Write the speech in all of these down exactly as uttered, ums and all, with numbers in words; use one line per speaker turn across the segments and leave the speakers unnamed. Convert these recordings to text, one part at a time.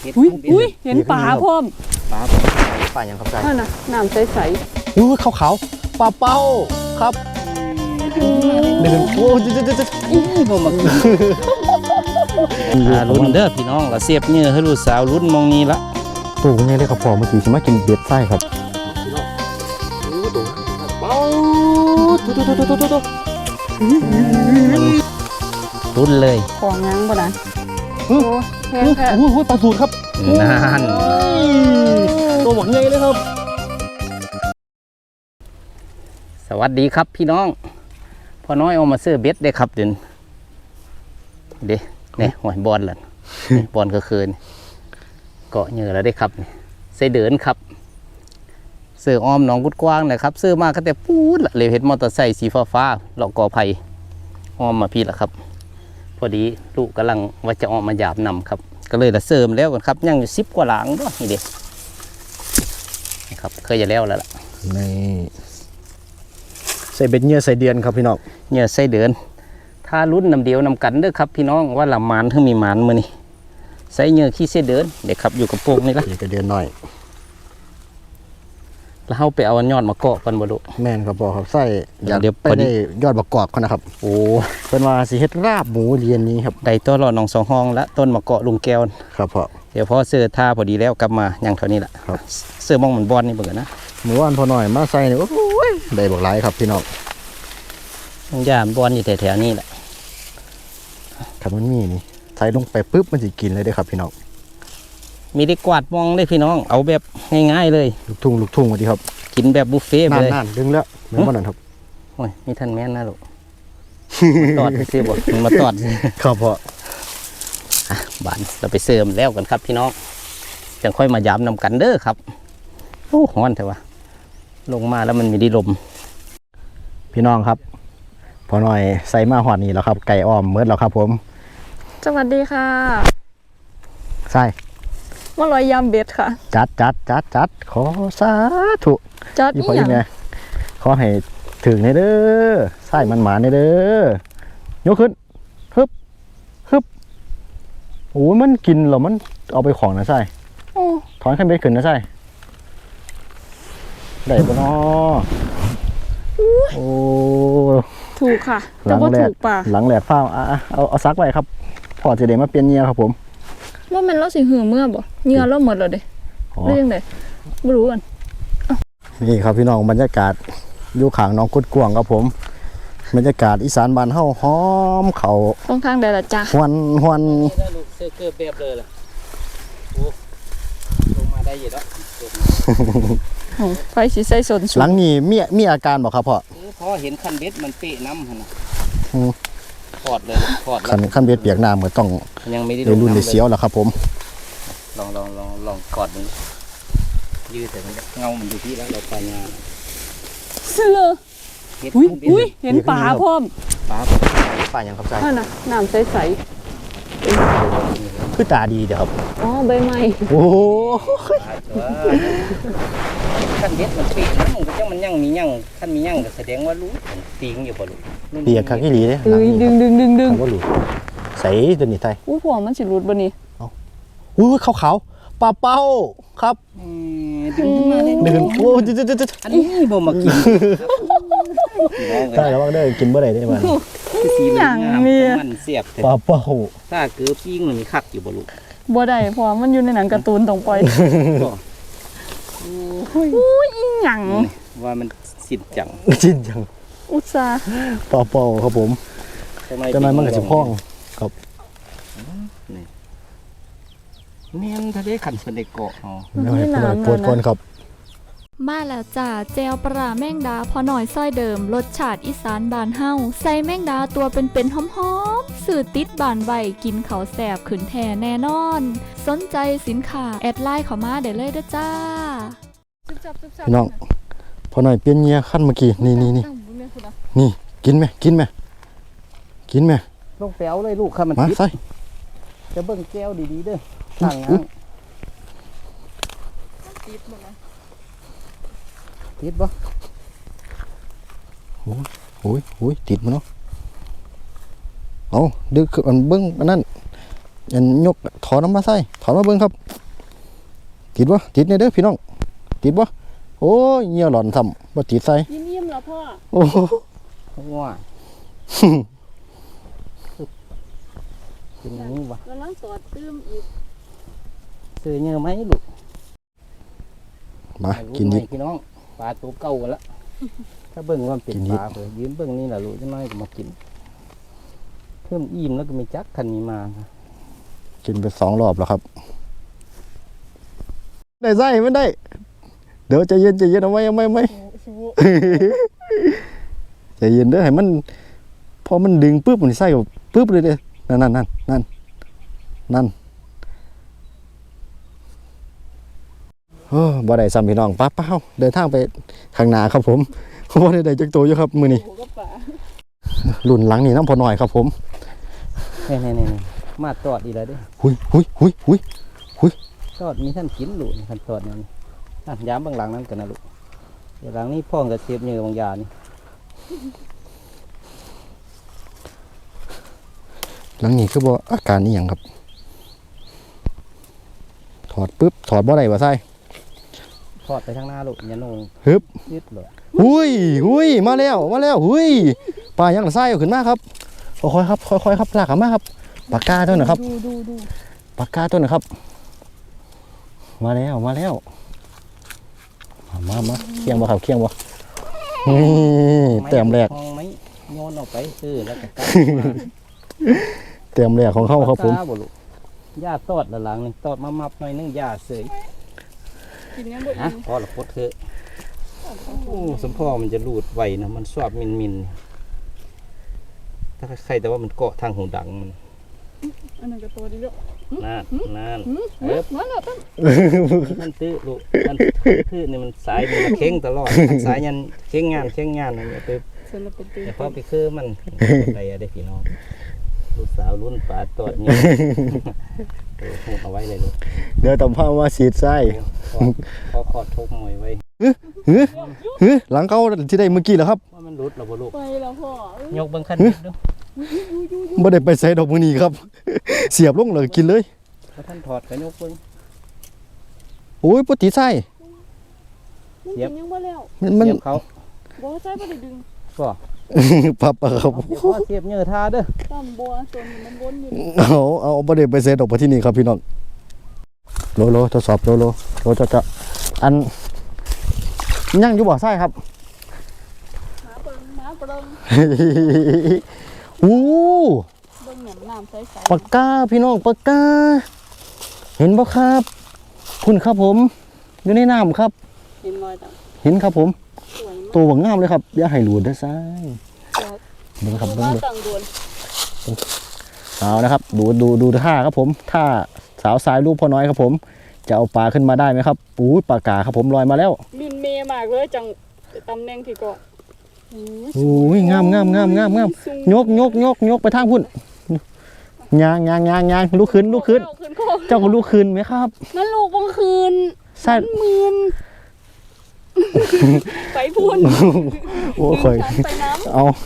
อุ้ยอุ้ยเห็นปลาพ่อม
ปลาปลาอย่างครับใจ
นั่นน่ะน้ำใส
ๆอุ้ยขาวๆปลาเป้าครับเดินโอ้ยจะจะจะอีบ่มากิน
รุ่นเด้อพี่น้องก็เสียบเนื้อให้ลูกสาวรุ่นมองนี้ละ
ตัวไงเลยครับพ่อเมื่อกี้ฉันมากินเบ็ดไส้ครับเป้าตุ๊ตุ๊ตุ๊ตุ๊ตุ๊ตุ๊
รุ่นเลย
ของงั้งบ่นะโอ้แพ้แพ้
โอ้ยปลาสูตรครับ
นั่น
ตัวหมดไงเลยครับ
สวัสดีครับพี่น้องพ่อน้อยเอามาซื้อเบ็ดได้ครับเดี๋ยวเด้เนี่ยหอยบอลล่ะบอลก็คืนเกาะเหยื่อแล้วได้ครับใส่เดินครับซื้ออ้อมหนองกุดกว้างนะครับซื้อมาก็แต่ปูดละเลยเห็นมอเตอร์ไซค์สีฟ้าฟ้าหลอกกอไผ่อ้อมมาพี่ละครับพอดีลูกกำลังว่าจะออกมาหยาบนำครับก็เลยละเสริมแล้วกันครับยังอยู่สิบกว่าหลังด้วยนี่เด็กนะครับเคยจะแล้วแล้วล่ะ
ในใส่เบ็ดเหยื่อใส่เดือนครับพี่น้อง
เหยื่อใส่เดือนถ้ารุ่นนำเดียวนำกันเด้อครับพี่น้องว่าละมันถึงมีมันมือนี่ใส่เหยื่อขี้เส้เดินเด็กครับอยู่กับโป่งนี่ละ
จะเดือนหน่อย
แล้วเขาไปเอายอดมาเกาะกันบ่ดุ
แม่นครับบอกครับใส่อยากเดี๋ยวไปได้ยอดประกอบเขานะครับ
โอ้
เป็นว่าสิเฮ็ดราบหมูเรียนนี้ครับ
ได้ตัวหลอดหนองสองห้องและต้นมะเกาะลุงแก้ว
ครับพ่อ
เดี๋ยวพอเสื้อท่าพอดีแล้วกลับมาอย่างเท่านี้แหละ
ครับ
เสื้อมองเหมือนบอลนี่เบื่อนะ
หมูอันพอหน่อยมาใส่เนี่ยโอ้ยได้บอกหลายครับพี่น้อง
ยามบอลอยู่แถวๆนี้แหละ
ครับมันมีนี่ใส่ลงไปปุ๊บมันจะกินเลยได้ครับพี่น้อง
มีได้กวาดมองเลยพี่น้องเอาแบบง่ายๆเลย
ลูกทุ่งลูกทุ่งสวัสดีครับ
กินแบบบุฟเฟ่ต์เลย
นั่นดึงแล้วเหมือนวันนั้นครับ
โอ้ยมีท่านแม่นนะลูกตอดสิบอกมาตอด
ครับพ่อ
อ่ะบานเราไปเสริมแล้วกันครับพี่น้องจะค่อยมายามนำกันเด้อครับโอ้ฮ้อนเถอะวะลงมาแล้วมันมีดีลม
พี่น้องครับพอหน่อยใส่มาหอดนี่แล้วครับไก่อ้อมเมื่อแล้วครับผม
สวัสดีค่ะ
ใส่
มาลอยยำเบ็ดค่ะ
จัดจัดจัดจัดขอสาธุ
จัดอีหยัง
ขอให้ถึงในเด้อใส่มันหมาในเด้อยกขึ้นฮึบฮึบโอ้มันกินเหรอมันเอาไปของนะใส่ถอนขึ้นไปขึ้นนะใส่ได้ปะเนาะโอ้
ถูกค่ะแต่ว่าถูกป่ะ
หลังแหลกฟ้าเอาเอาเอาซักไว้ครับพอจะเดี๋ยวมาเปลี่ยนเงียครับผม
ว่ามันเราสิหือเมื่อบ่เงียเราหมดเลยเด้เรื่องไหนไม่รู้กัน
นี่ครับพี่น้องบรรยากาศอยู่ข้างน้องกุดกวางครับผมบรรยากาศอีสานบ้านเฮาหอมเขา
ตรงทางใดล่ะจ๊ะ
ฮวนฮวน
เสื้อเกือบแบบเลยล่ะโอ้ลงมาได้อยู่แล้ว
ไฟสีใสสน
หลังนี้มีมีอาการบอกครับพ่อ
พอเห็นคันเบ็ดมันเปะน้ำนะถอดเลยถอด
คันคันเบ็ดเปียกน้ำเหมือนต้อง
ยังไม่ได้
รุ่นในเสียวแล้วครับผม
ลองลองลองลองกอดมันยืดแต่มันเงามันอยู่ที่แล้วเราปลายา
เสื้ออุ้ยอุ้ยเห็นปลาพ่อม
ปลาปลาอย่างครับใจ
นั่นน่ะน้ำใส
ๆคือตาดีเดี๋ยวครับ
อ๋อใบไม้
โอ้
ขั้นเบ็ดมันปีน้ำก็จังมันยั่งมียั่งขั้นมียั่งก็แสดงว่ารู้ตีงอยู่บ่รู้
เปียกข้างที่หลีเนี่ย
ดึงดึงดึงดึง
ว่ารู้ใส่ตัวนี้ไทย
อู้หัวมันสิรุดบ่นี่
อู้ขาวขาวปลาเป้าครับ
ดึงมาเลย
ดึงโอ้จะจะจะจะ
อันนี้บ่มากิน
ใช่แล้วว่าได้กินเมื่อไหร่ได้บ้าง
อย่างนี้
มันเสียบ
ปลาเป้า
ถ้าเกือบปิ้งมันมีคักอยู่บ่รู้
บ่ได้เพราะมันอยู่ในหนังการ์ตูนต้องปล่อยอู้ยอีหยัง
ว่ามันสิ้นจัง
สิ้นจัง
อุตส่าห์
ปลาเป้าครับผมจะนายมันก็จะพ้องครับ
เมียนทะเลขันเป็นเด็กเกาะอ๋อ
ไม่ได้ปวดก้นครับ
มาแล้วจ้าแจวปลาแมงดาพอหน่อยซ้อยเดิมรสชาติอีสานบานเฮาใส่แมงดาตัวเป็นๆหอมๆสื่อติดบานใบกินเขาแสบขืนแท่แน่นอนสนใจสินค้าแอดไลน์เข้ามาได้เลยเด้อจ้า
พี่น้องพอหน่อยเปลี่ยนเงียขั้นเมื่อกี้นี่นี่นี่นี่กินไหมกินไหมกินไหม
ลงแป๋วเลยลูกค่ะมัน
มาใส่
จะเบิ่งแก้วดีๆเด้อต่างงานติดบ่ติดบ่
โอ้ยโอ้ยโอ้ยติดมั้งเนาะเอาดึกมันเบิ้งอันนั้นอันยกถอนน้ำมาใส่ถอนมาเบิ่งครับติดบ่ติดเนี่ยเด้อพี่น้องติดบ่โอ้ยเหี่ยวหลอนซ้ำบ่ติดใส่
ยิ้มๆแล้วพ่อ
โอ้โห
ว่าเป็นอย่างนี้วะ
กำลังสอดตื้มอีก
ซื้อเยอะไหมลูก
มากิน
ดิ
ดิ
พี่น้องปลาตัวเก่ากันละถ้าเบิ่งว่ามันเป็น
กินดิ
ปลาเผื่อยืนเบิ่งนี่แหละลูกจะน้อยก็มากิน เพิ่มอิ่มแล้วก็มีจักคันมีมา
กินไปสองรอบแล้วครับได้ใส่ไม่ได้เดี๋ยวใจเย็นใจเย็นเอาไว้เอาไว้เอาไว้ ใจเย็นเด้อให้มันพอมันดึงปุ๊บมันใส่ออกปุ๊บเลยเด้อนั่นนั่นนั่นนั่นนั่นโอ้บ่ได้ซ้ำพี่น้องป้าเป้าเดินทางไปข้างหน้าครับผมบ่ได้ได้จักตัวอยู่ครับมื้อนี้
โอ้ก็ป่า
รุ่นหลังนี่น้ำพอหน่อยครับผม
นี่นี่นี่มาตอดอีกแล้วเด้อ
หุยหุยหุยหุย
ตอดมีท่านกินลูกท่านตอดนั่นอ่ะย้ำบางหลังนั้นกันนะลูกเดี๋ยวหลังนี้พ่องกับเสียบเนื้อบางยานี่
หลังนี้คือบ่อาการนี่หยังครับถอดปุ๊บถอดบ่ได้บ่ใส่
ทอดไปข้างหน้าลูกอย่าโหนง
ฮึบ
ยึดเลย
หุยหุยมาแล้วมาแล้วหุยปลายังละไส้เอาขึ้นมาครับค่อยๆครับค่อยๆครับลากขึ้นมาครับปากกาตัวหนึ่งครับ
ดูดูดู
ปากกาตัวหนึ่งครับ มาแล้วมาแล้วมามามาเคียงบ่ครับเคียงบ่นี่เต็มแรก
ห้องไหมโยนออกไปซื้อแล้วก็กลับมา
เต็มแรกของเขาครับผม
ปลาบ่ลูกหญ้าตอดละหลังนึงตอดมามับหน่อยนึงหญ้าเสย
กินยังบ่
ฮะ
อิ่ม
พอละพดเถอะโอ้สมพ่อมันจะรูดไวนะมันชอบมินมินถ้าใครแต่ว่ามันเกาะทางหูดังมัน
อันนั้นก็ตัวดีแล้ว
นั่นนั่น
หืม
เอ๊บ
มาแล้วต้น
ท่านตื้อลูกท่านตื้อนี่มันสายมันมาเข่งตลอดท่านสายยันเข่งงานเข่งงานนั่นอย่าไป
เสร็จแล้วเป็นตื้
แต่พอไปคือมันอะไรอะได้พี่น้องลูกสาวรุ่นปลาตอดเนี่ยเออพูดเอาไว้เลยลูก
เดี๋ยวต้องพามาฉีดไส้
ขอขอทุบมวยไว้
ฮึฮึหลังเขาที่ได้เมื่อกี้แล้วครับ
ว่ามันรุดหรอบ่ลูก
ไปแล้วพ่อย
กเบิ้งขั้นนิดดู
บ่ได้ไปใส่ดอกมือนี้ครับ เสียบลงเลยกินเลย
พอท่านถอดกันยกเบิ้ง
โอ้ยปติไส้
มันกินยังบ่แล้ว
มันมัน
เสียบเขา
บ่ใส่บ่ได้ดึง
ก็
ปับปะครับ
เดี๋ยวพ่อเสียบเนื้อทาเด้อ
ตามบัวตัวนี้มันวนอยู่
เอาเอาบ่ได้ไปใส่ดอกไปที่นี่ครับพี่น้องโลโลทดสอบโลโลโลจะจะอันยังอยู่บ่ไส้ครับ
หมาเปิงหมาเปิง
อู้
เบิ่งแหนมน้ำใส
ปากกาพี่น้องปากกา เห็นบ่ครับคุณครับผมอยู่ในน้ำครับ
ๆเห็นรอยต่าง
เห็นครับผม
สวยมาก
ตัวบักงามเลยครับอย่าให้หลุดเด้อซ้าย
ครับ
เบิ่งครับ
ดู
เบิ่ง
ว่า
เบิ่ง
ต่างโดน
เอานะครับ ดูดูดูท่าครับผมท่าสาวสายรูปพ่อน้อยครับผม จะเอาปลาขึ้นมาได้ไหมครับอู้ยปลากาครับผมลอยมาแล้ว
มินเมมากเลยจังตำแหน่งที่เกาะโอ้ย
โอ้ยงามงามงามงามงาม
สูง
ยกยกยกยกไปทางพุ่นยางยางยางยางลุกขึ้นลุกขึ้น
เอาขึ้นโคก
เจ้าก็ลุกขึ้นไหมครับ
นั่นลูกบังคืน
ใช่
มันมืนไปพูน
โอ้ข่อย
ดึงฉันไปน้
เอา
ำ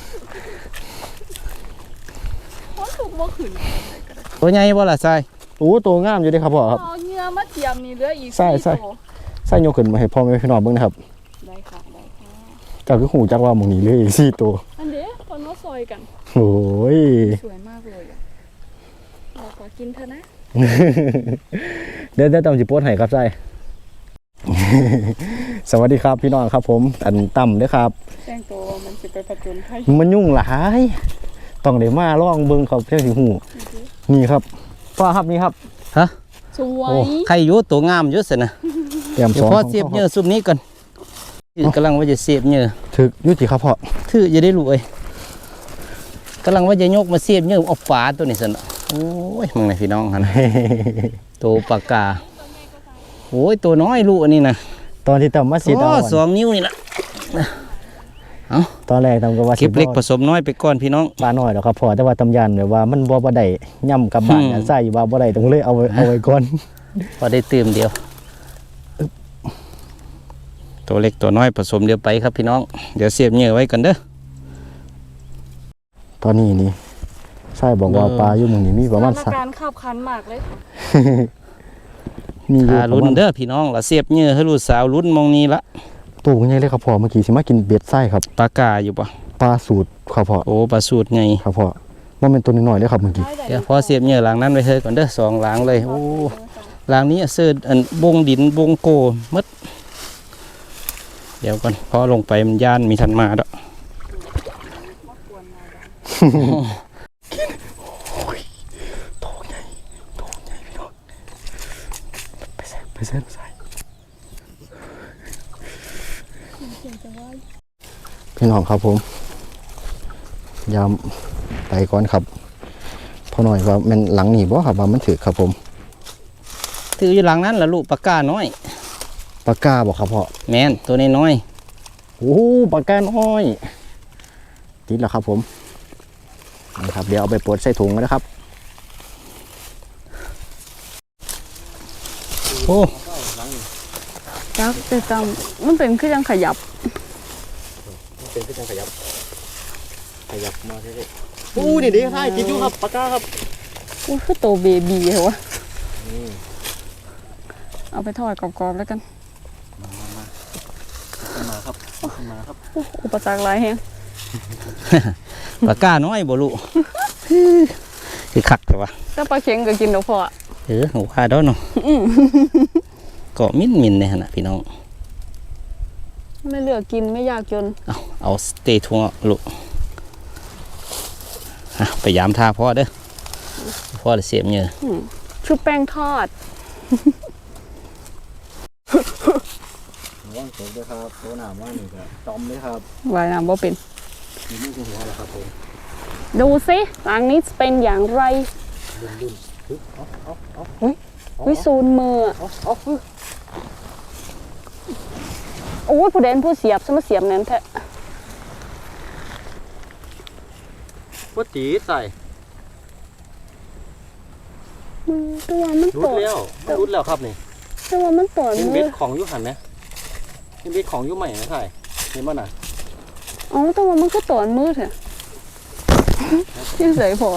เพราะถูกบ่ขึ้น
ตัวใหญ่บ่ล่ะทราย
โอ้ตัวงามอยู่เด้ครับพ่อครับ
เอาเหงื่อมาเทียมนี่เหลืออีก
ใช่ใช่
ตัว
ใส่ยกขึ้นมาให้พ่อแม่พี่น้องเบิ่งนะครับ
ได้ค่ะได้ค่ะ
เจ้าคือหูจักว่าหมองนี้เลยอีกสี่ตัว
อันเด้คนว่าซอยกัน
โอ้ย
สวยมากเลยอะเราขอกินเถอะนะ
เดี๋ยวเดี๋ยวต้องจิโพสให้ครับใส่ สวัสดีครับพี่น้องครับผมอันต่ำเด้อครับ
แจ้งตัวว่ามันจะไปผจญภัย
มันยุ่งหลายต้องได้มาลองเบิ่งครับเพียงสิหูนี่ครับพ่อครับนี่ครับ
สวย
โอ้
ใครอยู่ตัวงามอยู่สินะ
เตรียม
เดี๋
ส
ยว
อง
พ่อเสียบเนื้อซุปนี้ก่อนกำลังว่าจะเสียบเนื้อ
ถึกอยุติครับพ่อ
ถือจะได้รู้เอ้ยกำลังว่าจะยกมาเสียบเนื้อเอาฝาตัวนี้สินะโอ้ยมึงไหนพี่น้องฮะนะตัวปากกาโอ้ยตัวน้อยลูกอันนี้นะ
ตอนที่ต่ำมาสี
โอ้
ดาว
สองนิ้วนี่นะ
ตอนแรกต่ำก็ว่า
เก็บเล็กผสมน้อยไปก่อนพี่น้อง
ปลาน้อยแล้วครับพ่อแต่ว่าตำยันแบบว่ามันบ่บ่ได้ย่ำกับบ้าน
อืม
อันใส่ว่าบ่ได้ต้องเลยเอาไว้เอาไว้ก่อน
พอได้เติมเดียว ตัวเล็กตัวน้อยผสมเดียวไปครับพี่น้อง เดี๋ยวเสียบเหยื่อไว้กันเด้อ
ตอนนี้นี่ใช่บอกว่าปลาอยู่หมึงนี่มีประมาณ
ส
สั
ถาก นการณ์ขับขันมากเลย
มีอยู่
ถ้า
ประ
ลุ้น
มาณ
เด้อพี่น้องละเสียบเหยื่อให้ลูกสาวลุ้นมองนี้ละ
ตัวใหญ่เลยครับพ่อเมื่อกี้สิมากินเบ็ดไส้ครับ
ปลากาอยู่ปะ
ปลาสูตรครับพ่อ
โอ้ปลาสูตรไง
ครับพ่อว่าเป็นตัวน้อยๆเลยครับเมื่อกี้
เดี๋ยวพอเสียบเหยื่อหลังนั้นไปเฮ้ยก่อนเด้อสองหลังเลยโอ้หลังนี้เสื้ออันบงดินบงโกมดเดี๋ยวก่อนพอลงไปมันย่านมีทันมาดอก
ไปใส่ไปใส่ไปใส่พี่น้องครับผมยามไปก่อนครับพอหน่อยว่ามันหลังหนีบ่ครับว่ามันถือครับผม
ถืออยู่หลังนั้นละลูกปลากาน้อย
ปากกาบอกครับพ่อ
แม่นตัวนี้น้อย
โอ้ปากกาน้อยติดแล้วครับผมนะครับเดี๋ยวเอาไปปลดใส่ถุงนะครับ
โอ้
จักแต่จำมันเป็นคือยังขยับ
เป็นก็จะขยับขยับมาเรื่อยๆโอ้นี่ดีใช่ติดอยู่ครับปากกาครับ
อุ้ยคือโตเบบีเหรอวะเอาไปทอดกรอบๆแล้วกัน
มาครับมาครับ
อุปสรรคหลายแฮง
ปลากาน้อยบ่ลูก คือคักแต่ว่า
ถ้าปลาเค็งก็กินดอกพอ
เออหัวคาดอเนาะเกาะมิ้นมินในขณะพี่น้อง
ไม่เลือกกินไม่อยากจน
เอาเอาสเตย์ทวงลูกอ่ะไปยามท่าพ่อเด้อพ่อจะเสียบเหยื่อ
ชุบแป้งทอด
ว่างเสร็จด้วยครับโตหนามว่านี่ครับตอมเลยครับ
วายน้ำบ่เป็น
มีมือหัวแล้วครับผม
ดูสิหลังนี้จะเป็นอย่างไร
ดุนๆปึ๊บเอาเอาเอา
วิซูนมืออะ
เอาเอาปึ๊บ
โอ้ยผู้เด่นผู้เสียบสมาเสียบนั่นแท้
ว่าจีใส่
อืมตัวมัน
รุ
ป
ด
วด
แล้วรุดแล้วครับนี่
ตัวมันปวด
เห็น
มื
เบ็
อ
ดของยุหันไหมเห็นเบ็ดของยุใหม่ไหมใส่เห็นป่ะน่ะ
อ๋อตัวมันก็ปวดมือเถอะยังใส่พอ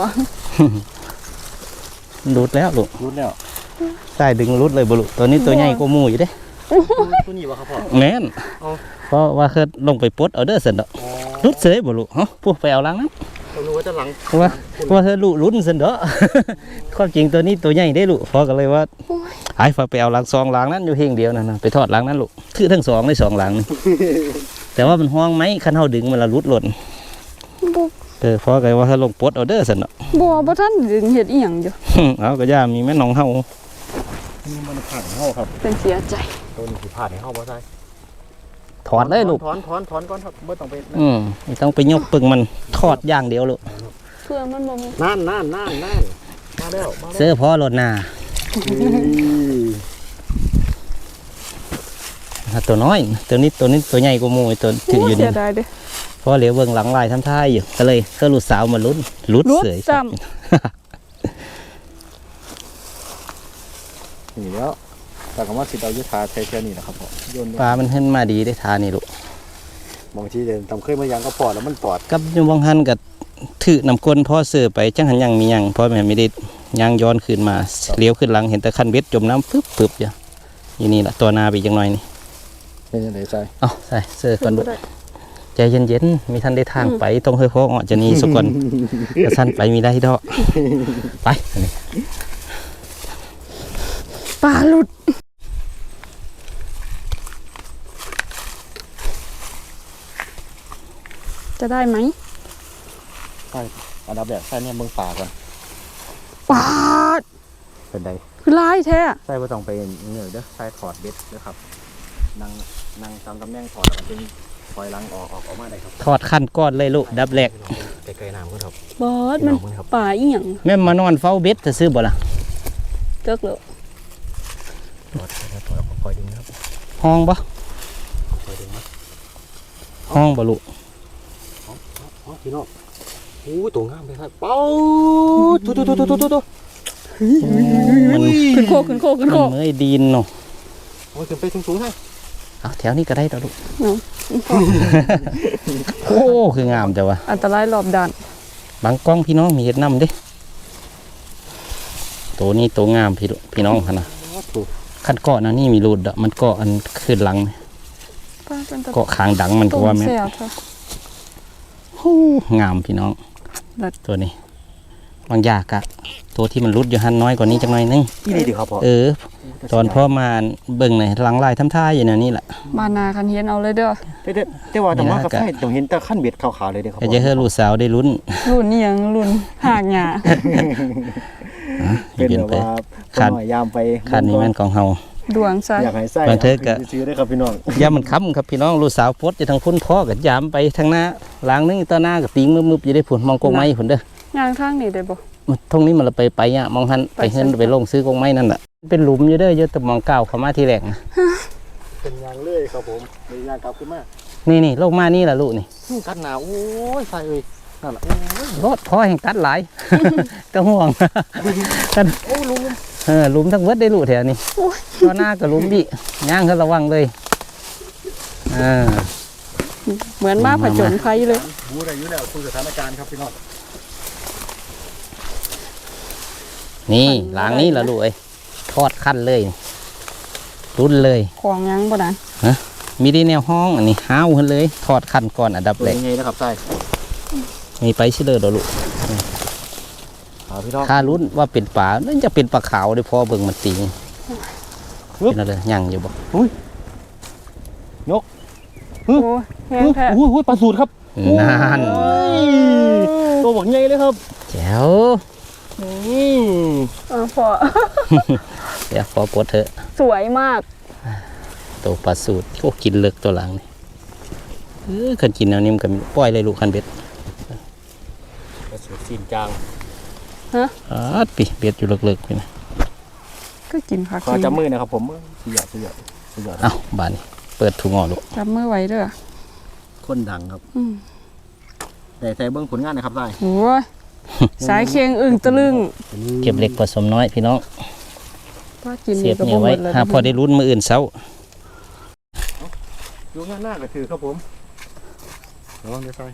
รุดแล้วลูก
รุดแล้ว
ใต้ดึงรุดเลยบ่ลูกตัวนี้ตัวใหญ่กว่าหมูอยู่เด้
ตัวนี้วะครับพ่อ
แม่น
เอา
เพราะว่าเคยลงไปปลดเอาเด้อเสร็จดอกรุดเสยบ่ลูกเฮาพวกไปเอาหลังนั้น
เรารู้ว่าจะหลัง
เพราะว่าเพราะว่าเธอลูกลุ้นเสร็จดอก ความจริงตัวนี้ตัวใหญ่ได้ลูกพอกันเลยว่าไอ้ฟ้าไปเอาหลังซองหลังนั้นอยู่เพียงเดียวนั่นนะไปทอดหลังนั้นลูกถือทั้งสองได้สองหลังนี่ แต่ว่ามันห้องไหมคันเฮาดึงมันละรุดหล่น
บัว
เออพอกันว่าถ้าลงปลดเอาเด้อซั่นเนาะ
บัวบ่ท่านดึงเห็ดอีหยังอยู่
เอาก็ย่ามีแม่น้องเฮา
นี่มันผ่านเข้าครับ
เป็นเสียใจ
ตัวนี้ผ่านให้เข้าบ่ใช่
ถอดเลยลูก
ถอนถอนถอนก่อนครับไม่ต้องไป
อืมไม่ต้องไปยกปึงมันทอดอย่างเดียวลูก
เพื่อมันบ่มี
นั่นนั่นนั่นนั่นมาแล้วมาแล้ว
เสื้อพอรถหน้าอ่ะตัวน้อย ตัวนี้ตัวนี้ตัวใหญ่กว่าหมูไอ้ตัวถืออยู่
เสี
นี่
ยดายเด้
เพราะเหลียวเบิ่งหลังลายทำท่าอยู่ก็เลยก็ลูกสาวมาลุ้นลุ้น
รุด
เสย
ซ้
นี่แล้วแต่คำว่าสิเอายุทธาใช้แค่นี้นะครับพ่อโยน
ปลามันขึ้นมาดีได้ทานี่ลูก
บางทีเดินตำเคยมายังก็ปอดแล้วมันปอด
กับอยูบางหันกับถือนำก้นพ่อเสือไปจังหันยังมียังพ่อแม่ไม่ได้ยังย้อนขึ้นมาเลี้ยวขึ้นหลังเห็นแต่คันเบ็ดจมน้ำปึ๊บปึ๊บอยู่อยู่นี่ละตัวนาไปอีกจังหน่อยนี่
เป็นยังไงใจ
เอาใส่เสื้อ
ำ
ก่อนลูก
บ่ได้
ใจเย็นๆมีท่านได้ทางไปต้องเฮ้ยพ่อออกจะนี่สุกอนกระสั้นไปมีได้ดอกไปอันนี้
ปลาหลุด จะได้ไหม
ใช่อันดับแรกใช่เนี่ยเบิ่งป่าก่อน
ปลาด
เป็นได
คือลายแท้
ใช่ว่าต้องไปเหนื่อยเด้อใช่ถอดเบ็ดเด้อครับนั่งนั่งตามตำแหน่งถอดแล้วก็ดึงปล่อยลังออกออกออกมาได้ครับ
ทอดขั้นก้อนเลยลูกดับแรก
ไกลๆน้ำก็ครับ
บอสมันปลาอีหยัง
แม่มานอนเฝ้าเบ็ดจะซื้อบ่ล่ะ
เจิกเลย
ถอดถอดคอยดึงครับ
ห้องบ่
คอยดึงนะ
ห้องบ่ลูก
อ๋อพี่น้องโอ้ยตัวงามเลยครับเป้าตุ๊ตุ๊ตุ๊ตุ๊ตุ๊ตุ๊
มัน
ขึ้นโคกขึ้นโคกขึ้นโค
มัน
ก
เมื่อยดีนเนาะ
โอ้ยขึ้นไปสูงๆให้
เอาแถวนี้ก็ได้ดอกลูก
เนาะ
โอ้คืองามแต่ว่า
อันตรายรอบด้าน
บางกล้องพี่น้องมีเห็ดน้ำเด้ตัวนี้ตัวงามพี่พี่น้องค่ะนะขั้นเกาะนะนี่มีรูดอะมันเกาะอันขึ้นหลัง
ป้าเป็นตะ
เกาะคางดังมันก็ว่าแม่น
เสียบค่ะ
ฮู้งามพี่น้อง
เลิศ
ตัวนี้บางยากอะตัวที่มันรุดอยู่หันน้อยกว่านี้จังหน่อยนึง
ที่นี่ดีครับพ่อ
เออ ตอนพ่อมาเบิ่งหน่อยหลังลายทำท่าอยู่แนวนี้แหละ
มานาคันเฮียนเอาเลยเด้อ
แต่แต่แต่ว่าต้องมากับไฟต้องเห็นแต่ขั้นเบ็ดขาวๆเลยเด้อครับ
ก็จะให้ลูกสาวได้ลุ้น
รุ่นนี่ยังรุ่นหากหยา
เป็น
ยืน
แบบ
ไป
ว่า
คัน
หน่อยยามไป
คันนี้แม่นของเฮา
ดวงใส่
อยากให้ไส้
บางเทอก็
ซื้อได้ครับพี่น้อง
ยามมันค้ำครับพี่น้องลูกสาวโพดอยู่ทางพุ่นพ่อก็ยามไปทางหน้าหลังนึงต่อหน้าก็ติงมึบๆอยู่ได้ผุนมองกงไม้ผุนเด้อย่าง
ทางนี้ได้บ่
มันตรงนี้มันละไปไปอ่ะมองหันไปเฮินไปลงซื้อกงไม้นั่นแหละเป็นหลุมอยู่เด้อเยอะแต่มองก้าวเข้ามาทีแรกนะ
เป็นยางเลยครับผมเป็นยางกลับขึ้นมา
นี่นี่ลงมานี่แหละลูกนี่
กัดหนาวโอ้ยไฟเอ้ยนั่นแหละ
รถพ่อแห่งตัดหลาย ก็ห่วงกัน
โอ้ลุง
เออหลุมทั้งเวิดได้ลูกแถวนี้ต่อหน้าก็หลุมดิย่างก็ระวังเลยเออ
เหมือนมาผจญภัยเลย
บูได้อยู่แล้วคุยสถานการณ์ครับพี่น้อง
นี่หลังนี้แหละลูกเอ้ยทอดขั้นเลยรุนเลย
ของยังบ่นั้น
มีได้แนวห้องอันนี้ห้าวขึ้นเลยทอดขั้นก่อนอันดับ
ตัว
แรก
ยังไงนะครับไส้
มีไปชิเลอร์ดอกลูก
เอาพี่น้อง
ถ้าลุ้นว่าเป็นปลานั่นจะเป็นปลาขาวได้พอเบิ่งมันติงเป็นอะไรยังอยู่บ่
โอ้แห้งแท้
โอ้โหปลาสูตรครับ
นั่น
ตัวบอกใหญ่เลยครับ
แจ๋ว
นี่
อ่าพอ
เดี๋ยวพอปลดเถอะ
สวยมาก
ตัวปลาสูตรโอ้กินเลิกตัวหลังนี่เออคันกินแนวนี้มันก็ปล่อยเลยลูกคันเบ็ด
ปลาสูตรซีนจาง
อาดปีเบ็ดอยู่เลิกๆไปนะ
ก็กินผัก
ขอจับมือนะครับผมสุดยอดสุดยอดสุดยอด
เอ้าบานนี้เปิดถุงออกลูก
จับมือไว้เด้อ
คนดังครับ
อืม
แต่ใส่เบื้องผลงานนะครับได้
โอ้ยสายเคียงอึ่งตะลึง
เก็บเล็กผสมน้อยพี่น้อง
ว่ากิน
เสียบ
ก็
เนี่
บ่
ย
หม
ไว้
ดเลย
หาพอได้ลุ้นมืออื่นเช้า
ดูหน้าหน้าก็คือครับผมระวังด้วยไฟ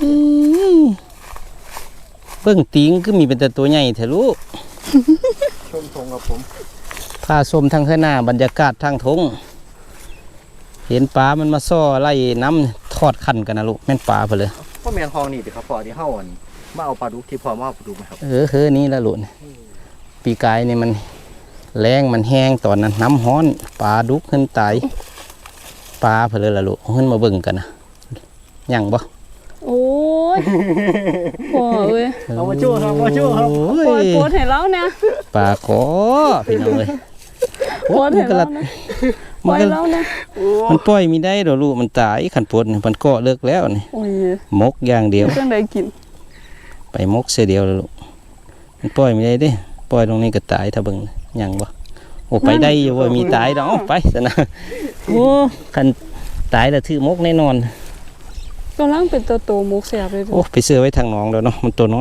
เบิ่งติงก็มีเป็นแต่ตัวใหญ่แท้ลูก
ชมทงครับผม
พาชมทางข้างหน้าบรรยากาศทางทงเห็นปลามันมาซ่อไล่น้ำทอดคันกันนะลูกแม่นปลาไปเลย
พ่อแมนทองนี่ดิครับพ่อที่เฮ้าอันมาเอาปลาดุกที่พ่อมาเอาปลาดุกไหมครับ
เออเฮ้อนี่ละลูกปีกายนี่มันแรงมันแห้งตอนนั้นน้ำฮ้อนปลาดุกขึ้นตายปลาไปเลยละลูกเอาขึ้นมาเบิ่งกันนะยังบ่
โอ้ยพอเอ้ย
เอามาชู้ครับมาชู้ครับ
โอ้
ปล่อย
ย
โพสให้เราเนี่ย
ปลาขอพี่น้องเลย
โพสให้
มันก็
เรา
ละ
เนี่ยป
มั
ล่
น
อย
ก็
เราเนี่ย
มันปล่อยมีได้ดอกลูกมันตายขันปวดนี่มันเกาะเลิกแล้วนี่
โอ้ย
มกอย่างเดียว
จังไดกิน
ไปมกเสียเดียวแล้วลูกมันปล่อยไม่ได้เด้ปล่อยตรงนี้ก็ตายถ้าเบิ่งยังบ่โอ้ไปได้อยู่ว่ามีตายดอกเอาไปซะนะโอ้คันตายแล้วถือมกแน่นอน
กำลังเป็นตัวโตมุกแสบเลยเด้
โอ้
อ
ไปเสื้อไว้ทางหน้องแล้วเนาะมันตัวน้อย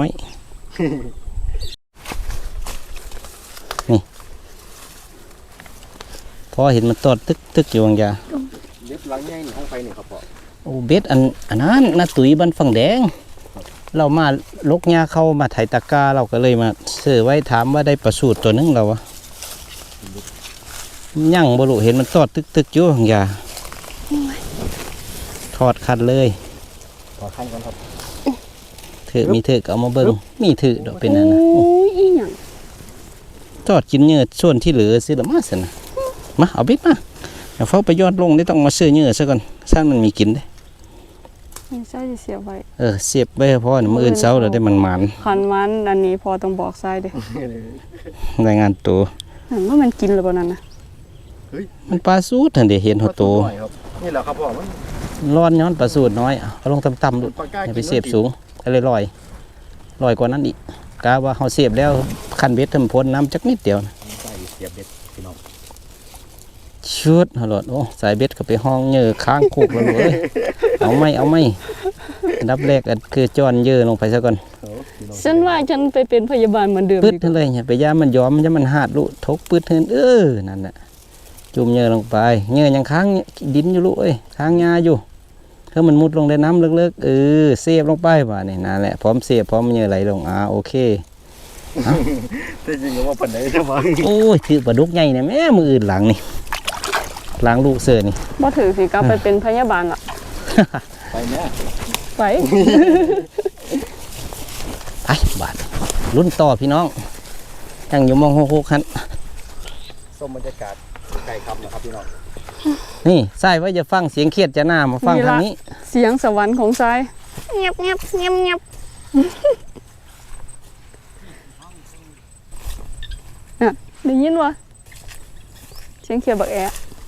นี่พอเห็นมันตอดตึกตึกอยู่บางอยาง
เล็บหลังใหญ่นี่ห้องไฟนี่ครับพ่อ
โอ้เบ็ดอันอันนั้นนาตุ๋ยบันฝั่งแดง เรามาลกหญ้าเข้ามาไถตะกร้าเราก็เลยมาเสื้อไว้ถามว่าได้ประสูตรตัวหนึงเราวะยั่งบรุเห็นมันตอดตึกตึกอยู่บางอยางทอดคัดเลย
ขอขั้นก่อนครับ
ถือมีถือก็เอามาเบิ้งมีถือดอกเป็นนั่นนะ
โอ้ยอีหยัง
ทอดกินเนื้อส่วนที่เหลือซื้อละมาสินะมาเอาเบ็ดมาเดี๋ยวเฝ้าไปยอดลงได้ต้องมาซื้อเนื้อซะก่อนซ่านมันมีกินได้
ไม่ใช่สิเสียไว้
เออเสียบไว้ให้พ่อเนี่ยมืออื่นเช้าเราได้มันมัน
คันมันอันนี้พอต้องบอกทรายเด้
รายงานตัว
นั่นว่ามันกินหรือเปล่านั่นน่ะ
มันปลาสูดทันเดีเห็นหัวโต
หน่อยครับนี่แหละครับพ่อมัน
ร้อนย้อนปลาสูดน้อยเอาลงต่ำๆดู
ปลาก้า
อย่า
กิน
ไปเสียบสูงก็เลยลอยลอยกว่านั้นอีกกะว่าเขาเสียบแล้วคันเบ็ดทำพ้นน้ำจักนิดเดียวนะ
ใส่เสียบเบ็ดพี่น้อง
ชุดฮะหลอดโอ้สายเบ็ดก็ไปห้องเหยื่อค้างคุกแล้วลูกเอ้ยเอาไม่เอาไม่อันดับแรกอันคือจอนเหยื่อลงไปซะก่อน
ฉันว่าฉันไปเป็นพยาบาลเหมือนเดิม
ปืด
ดีก
ทั้
ว่าง
เลยเนี่ยไปย่ามันยอมมันจะมันหาดลูกทกปืดเทินเออนั่นแหละจุ่มเหยื่อลงไปเหยื่อยังค้างดินอยู่ลูกเอ้ยค้างยาอยู่ถ้ามันมุดลงในน้ำลึกๆเออเสียบลงไปว่านี่นั่นแหละพร้อมเสียบพร้อมเหยื่อไหลลงอ่าโอเค
แต่จริงก็ว่าปันไหนจะฟัง
โอ้ยถือปลาดุกใหญ่เนี่ยแม่มืออื่นหลังนี่หลังลูกเสือนี่
บ่ถือสิกลับไปเป็นพยาบาลอ่ะ
ไปแม่
ไป
ไปบาดรุ่นต่อพี่น้องยังอยู่มองหกๆคัน
ส้มบรรยากาศไก่คำนะครับพี่น้อง
นี่ใส่ไว้จะฟังเสียงเครียดจะหน้ามาฟังทางนี้
เสียงสวรรค์ของทรายเงียบเงียบเงียบเงียบน่ะได้ยินวะเสียงเขียดบักแอะ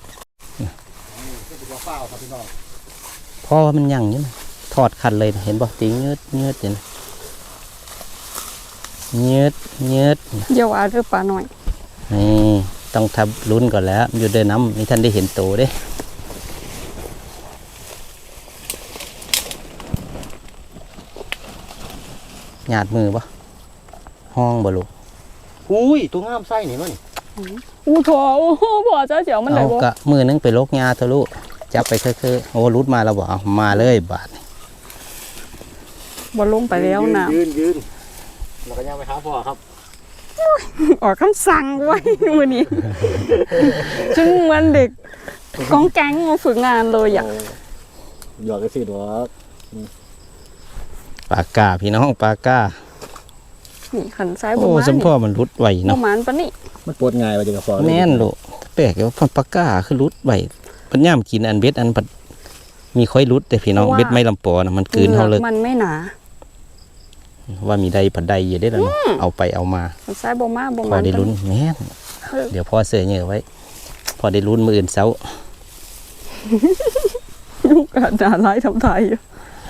เฝ้าครับพี่น้อง
เพราะว่ามันยังอยู่นะถอดขันเลยนะเห็นบ่ตีเงืดเงืดอยู่นะเงืดเงืด
เยาวอาหรือปลาหน่อย
นี่ต้องทับลุ้นก่อนแล้วอยู่เดินน้ำนี่ท่านได้เห็นโตเด้หยาดมือปะห้องบ่ลูก
อุ้ยตัวงามไส้นี่มั้ง
อู้ถอโอ้โหบ่เจ้าเจียวมันได้
เอา
บ่
กะมือนึงไปลกยาเถอะลูกจับไปคือๆโอ้รุดมาแล้วบ่เอามาเลยบาดนี่
บ่ลงไปแล้วน้
ยืนยืนแล้วก็ย่างไปหาพ่อครับ
ำออกคำสั่งไว้มื้อนี้จึงเหมือนเด็กกองแก๊งมาฝึกงานเลยอ่ะ
หยอกกันสิหรอ
ปากกาพี่น้องปากกา
นี่ขันซ้ายบ่
โอ้
มา
สมพ่อมันรุดไหว
บ่
เนาะ
หมานปานนี้
มันปวดง่ายว่าจะกับพ่อ
แม่นลูกแปลกว่าพันปากกาคือรุดไหวเพันย่ามกินอันเบ็ดอันผัดมีค่อยรุดแต่พี่น้องเบ็ดไม่ลำปอนะมันกลืนเฮาเลย
มันไม่หนา
ว่ามีใดผัดใดอยู่ได้แล้วเนาะเอาไปเอามา
ขันซ้ายบ่มาบ่
พ
ห
อ
มาน
ได้ลุ้นแม่นเดี๋ยวพ่อเสือเหยื่อไว้ พอได้ลุ้นมืออื่นเสา
ลูกกะด่าร้ายทำไทยอยู่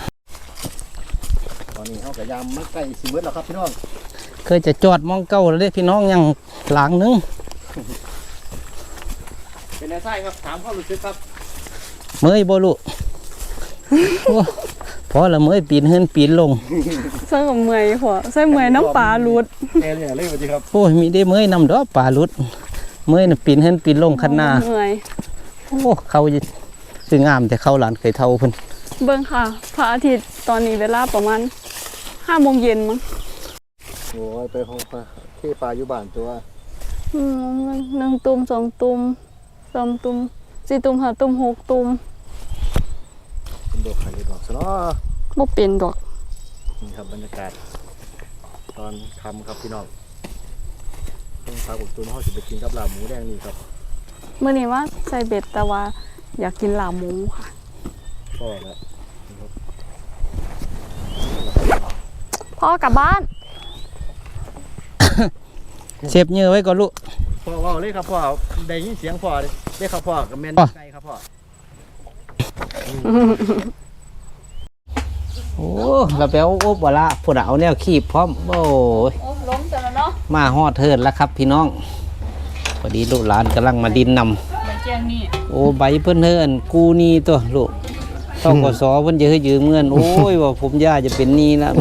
ตอนนี้เขากับยามมันใกล้สิเบิดแล้วครับพี่น้อง
เคยจะจอดมองเก้าแล้วเด้พี่น้องยังหลังนึง
เป็นไงไส้ครับถามความรู้สึกครับ
เมื่อยบ่ลูกโอ้พอละเมื่อยปีนเฮือนปีนลง
ใส่กับเมื่อยพอใส่เมื่อยน้ำปลาหลุด
แน่เลยเลยสวัสดีครับ
โอ้ยมีได้เมื่อยนำดอกปลาลุดเมื่อยน่ะปีนเฮือนปีนลงคันหน้า
เมื่อย
โอ้เขาจะคืองามแต่เข้าหลานเคยเท่าเพิ่น
เบิ่งค่ะพระอาทิตย์ตอนนี้เวลาประมาณห้าโมงเย็นมั้ง
โอ้ยไปห้องที่ปลาอยู่บ้านตัว
อืมหนึ่งตุ่มสองตุ่มสามตุ่มสี่ตุ่มห้าตุ่มหกตุ่ม
เป็นดอกไข่ดอกซะเนาะ
บ่เป็นดอก
นี่ครับบรรยากาศ ตอนทำครับพี่น้องต้องพาผมตัวน้องเขาสิไปกินกับลาบหมูแดงนี่ครับ
มื้อนี้ว่าใส่เบ็ดแต่ว่าอยากกินลาบหมูค่ะ
พ่อแล้ว
พ่อกลับบ้าน
เซฟเหยื่อไว้ก่อนลูก
พ่อว่าเลยครับพ่อได้ยินเสียงพ่อเลยได้ครับพ่อกับแม่น
พ่อ
ไก่ครับพ่อ
โอ้เราไปเอาโอ๊บบ่ละพุ่นน่ะเอาแนวคีบพร้อมโอ้ย
โอ้ล้มจังแล้วเนาะ
มาฮอดเทิดแล้วครับพี่น้องพอดีลูกหลานกำลังมาดินนำ
ใบแจงนี่
โอ้ใบเพิ่นเฮินกูนี่ตัวลูกต้องกสเพิ่นจะให้ยืมเงินโอ้ยว่าผมย่าจะเป็นหนี้แล้ว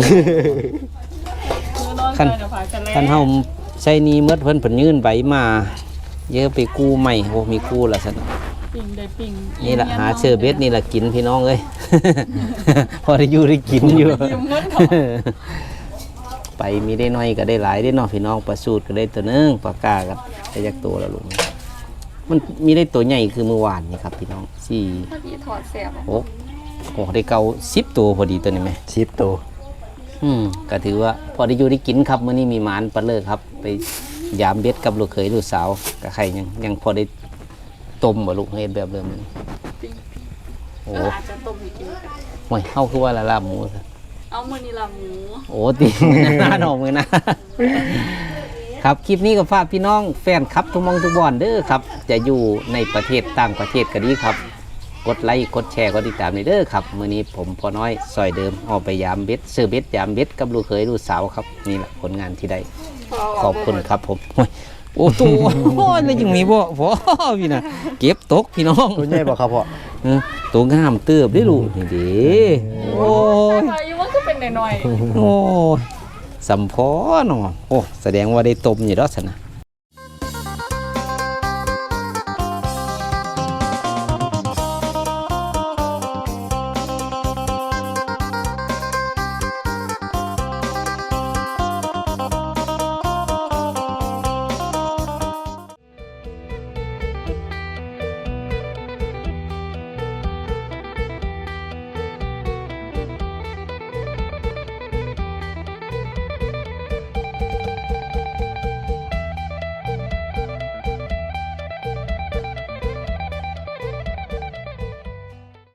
คัน คันเฮาใช้หนี้เมื่อเพิ่นเพิ่นยื่นใบมา เยอะไปกู้ใหม่โอ้มีกู้ละซั่น
ปิ่งได้ปิ่ง
นี่ล่ะหาเชอร์เบ็ดนี่ล่ะกินพี่น้องเอ้ย พอได้อยู่ได้กินอยู่
ยืมเงินเขา
ไปมีได้น้อยก็ได้หลายได้เนาะพี่น้องปลาสูตรก็ได้ตัวหนึงปลากาก็ได้จักตัวแล้วลูกมันมีได้ตัวใหญ่คือเมื่อวานนี่ครับพี่น้องสี่
พอดีถอดแสบ
โอ้โอ้ได้เกาสิบตัวพอดีตัวนี้ไหม
สิบตัว
อืมก็ถือว่าพอได้อยู่ได้กินครับมื้อนี้มีหมานปลาเลิกครับ ไปยามเบ็ดกับลูกเขยลูกสาวกับใครยังยังพอได้ต้มบ่ลูกเฮ็ดแบบเดิมนี้โอ้
อาจจะต้มให้กินกัน
โหเฮาคือว่าละลาบหมูซะ
เอามื้อนี้ลาบหมู
โอ้ตีหน้าหนองมือนะ ครับคลิปนี้ก็ฝากพี่น้องแฟนครับทุกหมองทุกบอนเด้อครับ จะอยู่ในประเทศต่างประเทศก็ดีครับ กดไลค์กดแชร์กดติดตามในเด้อครับมื้อนี้ผมพอน้อยซอยเดิมออกไปยามเบ็ดซื้อเบ็ดยามเบ็ดกับลูกเขยลูกสาวครับนี่แหละผลงานที่ได้ขอบคุณครับผมโอ้ยโอ้ตัวโอ้ยแล้วยังมีบ่พอพี่นะเก็บตกพี่น้อง
ตัวใหญ่บ่ครับพ่อ
เออตัวงามเติบได้ลูกนี่เด้โอ้ย
พายุมันก็เป็นหน่อย
โอ้ยสัมพอเนาะโอ้แสดงว่าได้ต้มอยู่ดอกสนะ